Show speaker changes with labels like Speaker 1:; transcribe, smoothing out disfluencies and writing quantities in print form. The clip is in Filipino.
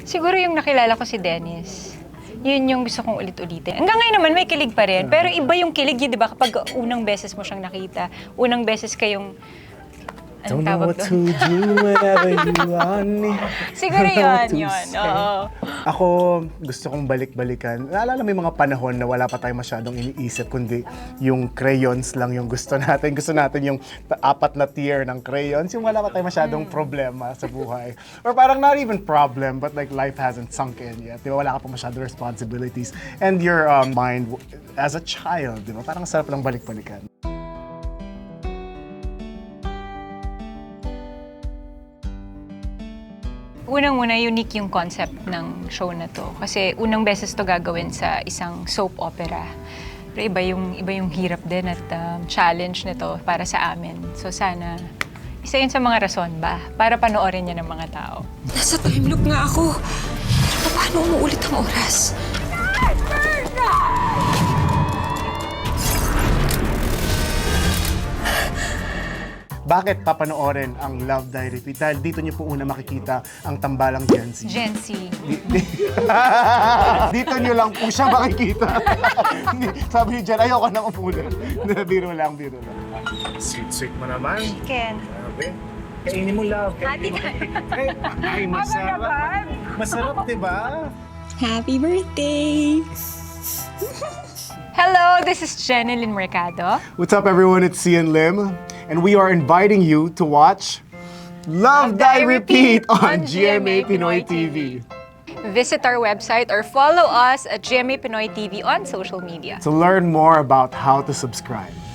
Speaker 1: Siguro yung nakilala ko si Dennis. Yun yung gusto kong ulit-ulitin. Hanggang ngayon naman may kilig pa rin. Pero iba yung kilig yun, di ba? Kapag unang beses mo siyang nakita, unang beses kayong...
Speaker 2: Don't know what to do whenever you want me.
Speaker 1: Siguro yun. Oo.
Speaker 2: Ako, gusto kong balik-balikan. Naalala mo yung mga panahon na wala pa tayong masyadong iniisip, kundi yung crayons lang yung gusto natin. Gusto natin yung 4 na tier ng crayons, yung wala pa tayong masyadong problema sa buhay. Or parang not even problem, but like life hasn't sunk in yet. Di ba? Wala ka pa masyadong responsibilities. And your mind as a child, di ba? Parang sarap lang balik-balikan.
Speaker 1: Unang-una, unique yung concept ng show na to. Kasi unang beses to gagawin sa isang soap opera. Pero iba yung hirap din at challenge nito para sa amin. So sana, isa yun sa mga rason ba para panoorin niya ng mga tao.
Speaker 3: Nasa time loop nga ako. Pero paano umuulit ang oras?
Speaker 2: Bakit papanoorin ang Love Die Repeat? Dahil dito niyo po una makikita ang tambalang Gen Z.
Speaker 1: Gen Z.
Speaker 2: Dito niyo lang po siya makikita. Sabi ni Jen, ayoko nang umulan. Biro lang. Sweet mo naman.
Speaker 1: Chicken.
Speaker 2: Grabe. Kainin mo, love. Kainin mo. Ay, masarap. Masarap, diba?
Speaker 3: Happy birthday!
Speaker 1: Hello, this is Jenilyn Mercado.
Speaker 2: What's up, everyone? It's Cian Lim. And we are inviting you to watch Love Die Repeat on GMA Pinoy TV.
Speaker 1: Visit our website or follow us at GMA Pinoy TV on social media.
Speaker 2: To learn more about how to subscribe.